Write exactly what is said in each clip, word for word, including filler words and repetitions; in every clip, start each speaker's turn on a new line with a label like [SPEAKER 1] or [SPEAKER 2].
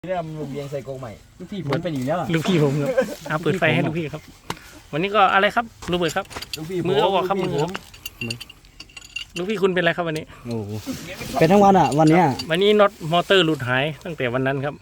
[SPEAKER 1] เริ่มเรียงใส่กรงใหม่
[SPEAKER 2] ลูกพี่ผมเป็นอยู่แล้ว
[SPEAKER 3] ลูกพี่ผมครับเอาเปิดไฟให้ลูกพี่ครับ วันนี้ก็อะไรครับลูกเบิร์ดครับ
[SPEAKER 1] ลูกพี่
[SPEAKER 3] มือเอาออกครับมือครับลูกพี่คุณเป็นอะไรครับวันนี้
[SPEAKER 2] โอ้เป็นทั้งวันอ่ะวันเนี้ย
[SPEAKER 3] วันนี้น็อตมอเตอร์หลุดหายตั้งแต่วันนั้นครับ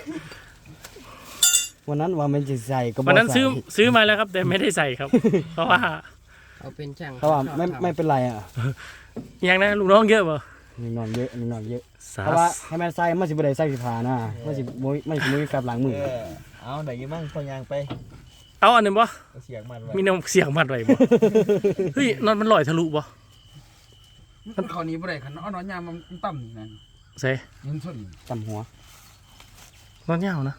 [SPEAKER 2] วันนั้นว่ามันจะใส่ก็บอก
[SPEAKER 3] วันนั้นซื้อ
[SPEAKER 2] ใส่
[SPEAKER 3] ซื้อมาแล้วครับ แต่ไม่ได้ใส่ครับ เพราะว่า
[SPEAKER 4] เอาเป็นช่าง
[SPEAKER 2] เพราะว่าไม่ไม่เป็นไรอ่ะ
[SPEAKER 3] อย่างนั้นลูกน้องเยอะป่ะ
[SPEAKER 2] มีนอนเยอะมีนอนเยอะ
[SPEAKER 3] สา
[SPEAKER 2] เพราะว่าให้มันใส่มันสิบ่ได้ใส่สิผ่านะมันสิบ่มันสิบ่มีกับหลังมือ
[SPEAKER 1] เออเอาไหนยี่มั่งพอยางไป
[SPEAKER 3] เอาอันหนึ่งป่ะ
[SPEAKER 1] เอาเสียงมันไว้
[SPEAKER 3] มีน้ำเสียงมัดไว้ป่ะเฮ้ยน็อตมันลอยทะลุป่ะ
[SPEAKER 5] มันเขานี้บ่ได้คันเอาน้อยยามมันต่ำนั่น
[SPEAKER 3] เซ่
[SPEAKER 5] ยินสุด
[SPEAKER 2] ตำหัว
[SPEAKER 3] น็อตยาวนะ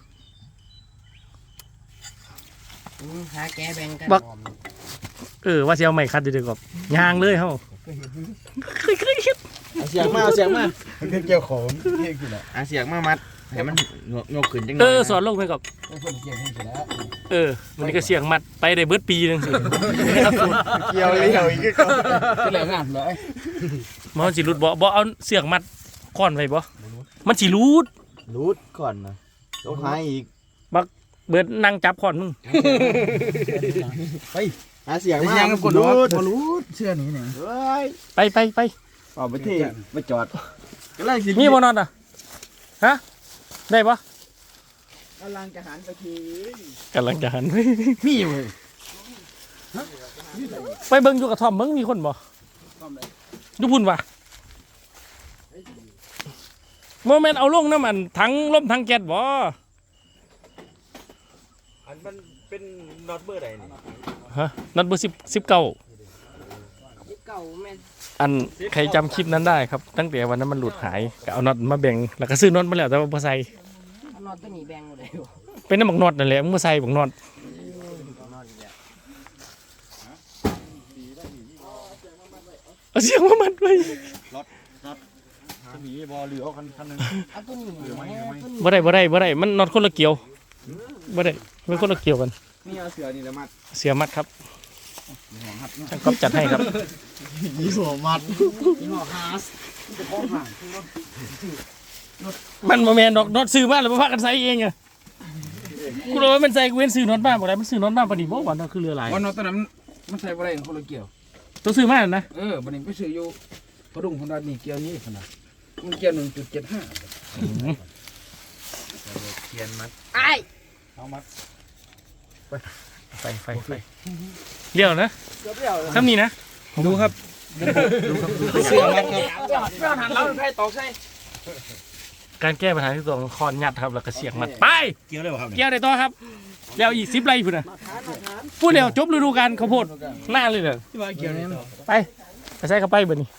[SPEAKER 4] อืมหาแกแบ่งกัน
[SPEAKER 3] บัก เออว่าจะเอาไม้คัดดีๆกับยางเลยเฮ้าเคยเคยเห็น
[SPEAKER 1] เอาเสียงมาเอาเสียงมา
[SPEAKER 2] คือเกี่ยวของเกี่ยวกินอ่ะ
[SPEAKER 1] เอาเสียงมามัดให้มันงกขึ้นจังหน่
[SPEAKER 3] เอ
[SPEAKER 1] อย
[SPEAKER 3] อสอนลงไปกับ
[SPEAKER 5] เพิ่นเกี่ยวให้เสร็จแล้ว
[SPEAKER 3] เออมันก็เสียงมัดไปได้เบิดปีนึงสิ
[SPEAKER 1] เกี่ยวเลยเกี่ยวอีกก็
[SPEAKER 5] คือแล้วงานเลย
[SPEAKER 3] มันสิรุดบ่บ่เอาเสียงมัดก่อนไว้บ่มันสิรูด
[SPEAKER 1] รูดก่อนนะต้องหาอีก
[SPEAKER 3] เบิดนั่งจับก่อนมึง
[SPEAKER 1] หาเสียง
[SPEAKER 5] ไอ้
[SPEAKER 1] มา
[SPEAKER 5] ยังกด
[SPEAKER 1] รู
[SPEAKER 5] รู
[SPEAKER 1] ด
[SPEAKER 5] ดบ่รูดเสื้อนี้เนี่ย
[SPEAKER 1] เฮ้ย
[SPEAKER 3] ไปไปไป
[SPEAKER 1] เอาไปที่ไปจอดก็ไล่สิ
[SPEAKER 3] มีบ่นอนอ่ะฮะได้บ่
[SPEAKER 1] กำลังจะหันไปที
[SPEAKER 3] กำลังจะหัน
[SPEAKER 5] มีอยู่เว้ย
[SPEAKER 3] ไปเบิ่งอยู่กับทอมเบิ่งมีคนบ่ดูพุ่นว่ะโมเมนต์เอาลงน้ำมันทั้งล่มทั้งแก๊สบ่
[SPEAKER 1] อันมันเป็นน็อตเบอร์ใดนี่
[SPEAKER 3] ฮะนัดเบอร์สิบสิบเก้า
[SPEAKER 4] เก่าแม่น
[SPEAKER 3] อันใครจำคลิปนั้นได้ครับ ตั้งแต่วันนั้นมันหลุดหายก็เอาน็อตมาแบ่งแล้วก็ซื้อน็อตมาแล้วแต่ว่าบ่ใส่
[SPEAKER 4] เอานอนตัวนี้แบ่งหมดเลย
[SPEAKER 3] เป็นน้ำบักน็อตนั่นแหละมึงบ่ใส่บักน็อตเอาเสียงมามัดไว้
[SPEAKER 1] จะมีบอลเหลือเอาคันคันนึง
[SPEAKER 4] เอาตัวนี้แม่ตัวนี้
[SPEAKER 3] บ่ได้บ่ได้บ่ได้มันน็อตคนละเกี่ยวบ่ได้มันคนละเกี่ยวกัน
[SPEAKER 1] นี่เอาเสือนี่แหละมัด
[SPEAKER 3] เสียมัดครับช่างก๊อฟจัดให้ครับ
[SPEAKER 1] ยี่หัวมัด
[SPEAKER 5] มีหม้อฮาสจะของห่าง
[SPEAKER 3] มันบ่แม่นดอกน็อตซื้อมาแล้วบ่พากันใส่เองอะกูรู้ว่ามันใส่กูเว้นซื้อน็อตมาบ่ได้มันซื้อน็อตมาปานนี้บ่ว่าน็อตคือเรือหลาย
[SPEAKER 5] วันนั้นตอนนั้นมันใส่บ่ได้คนละเกี่ยว
[SPEAKER 3] ตัวซื้อมาแล้วนะ
[SPEAKER 5] เออบัดนี้ไปซื้ออยู่พดุงคนนั้นนี่เกี่ยวนี้ขนาดมันเกี่ยว หนึ่งจุดเจ็ดห้า
[SPEAKER 1] เทียนมัด
[SPEAKER 4] ไอ้
[SPEAKER 5] เอามัด
[SPEAKER 3] ไฟไฟไฟเลี้ยวนะทำนี่นะ
[SPEAKER 5] ดูครับ
[SPEAKER 1] เสือมัดครับ
[SPEAKER 5] เพื่อนหันเราใครตอกใส่
[SPEAKER 3] การแก้ปัญหาที่ตัวของคอนยัดครับแล้วก็เสียงมัดไป
[SPEAKER 1] เกี่ยวได้ป่ะครับ
[SPEAKER 3] เกี่ยวได้ต่อครับแล้วอีกสิบไร่พุ่นน่ะพูดแล้วจบฤดูกาลข้าวโพดหน้าเลยเด้อ
[SPEAKER 5] ที่ว่าเกี่ยวนี้
[SPEAKER 3] ไปไปใส่เข้าไปเบิดนี้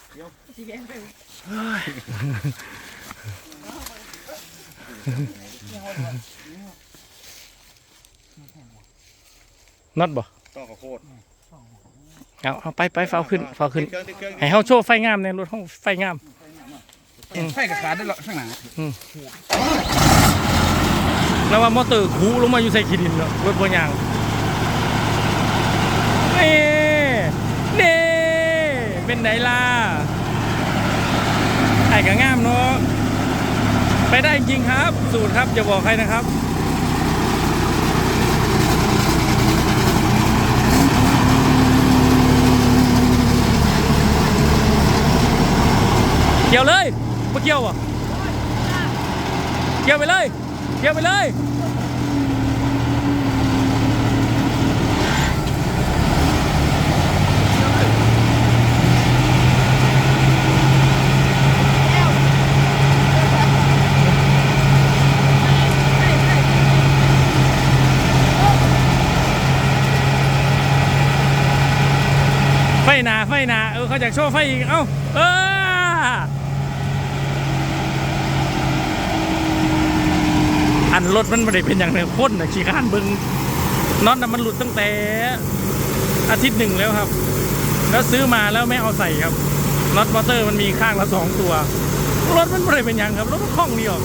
[SPEAKER 3] น็อตบ่
[SPEAKER 1] ต่อข้าวโพด
[SPEAKER 3] เอาเอาไปไปเฝ้าขึ้นเฝ้าขึ้นให้เฮาโชว์ไฟงามในรถเฮาไฟงาม
[SPEAKER 5] ไฟกระขาดได้หรอข้างหน้า
[SPEAKER 3] แล้วว่ามอเตอร์คูลงมาอยู่ใส่ขี้ดินเนาะรถบ่ยางนี่นี่เป็นไหนล่ะไอ้ก็งามเนาะไปได้จริงครับสูตรครับอย่าบอกใครนะครับเกี่ยวเลยมาเกี่ยวอ่ะเกี่ยวไปเลยเกี่ยวไปเลยไฟหนาไฟหนาเออเขาอยากโชว์ไฟอีกเอ้าเอออันรถมันไม่ได้เป็นอย่างในพ่นนะขี้ข้านเบิ้งน็อตน่ะมันหลุดตั้งแต่อาทิตย์หนึ่งแล้วครับแล้วซื้อมาแล้วไม่เอาใส่ครับน็อตมอเตอร์มันมีข้างละสองตัวรถมันไม่ได้เป็นอย่างครับรถมันคล่องดีออก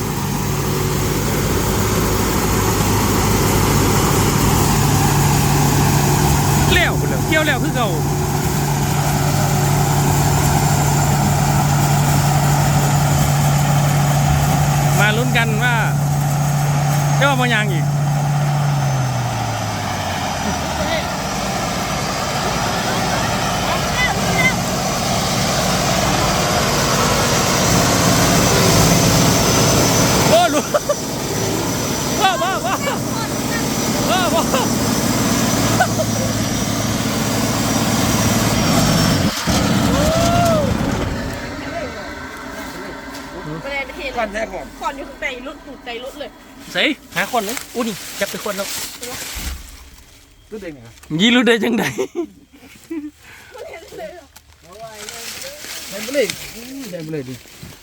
[SPEAKER 3] เลี้ยวไปเลยเกี่ยวแล้วคือเก่า มาลุ้นกันว่าจะว่าบางอย่างอีกโอ้ลูกว้าวว้าวว้าวว้าวว้าว
[SPEAKER 6] ไม่ได้ประเทศ
[SPEAKER 5] ก่อนแท้ก่อน
[SPEAKER 6] คอนอยู่ข้างในรถถูกใจรถเลย
[SPEAKER 3] ใส่หาคนเลยอู้นี่จับไปคนแล้ว
[SPEAKER 5] ตัวเด็กเนี่ย
[SPEAKER 3] ยี่รู้ได้จังได
[SPEAKER 5] เดินไปเลยเดินไปเลยดิ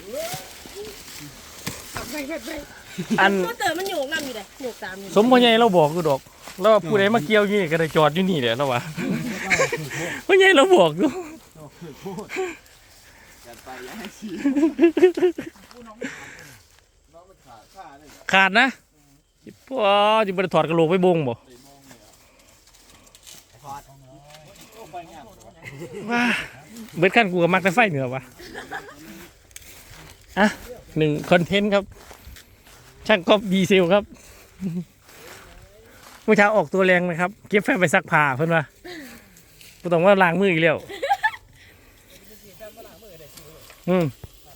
[SPEAKER 6] ไปไปไป
[SPEAKER 3] อัน
[SPEAKER 6] ก็เตอมันโยกน้ำอยู่เลยโยกตามอยู่
[SPEAKER 3] สมพ่อใหญ่เราบอกอยู่ดอกแล้วว่าผู้ใดมาเกี่ยวอยู่นี่ก็ได้จอดอยู่นี่แหละแล้ววะพ่อใหญ่เราบอกอยู่ขาดนะพ่อจะไปถอดกระโหลกไปบงบ่ว้าเบิดขั้นกูกับมักแต่ไฟเหนือวะอ่ะหนึ่งคอนเทนต์ครับ ช่างก๊อปดีเซลครับเมื่อเช้าออกตัวแรงนะครับเก็บแฟบไปซักผ้าเพื่อนว่าไม่ต้องว่าล้างมืออีกแล้วอืม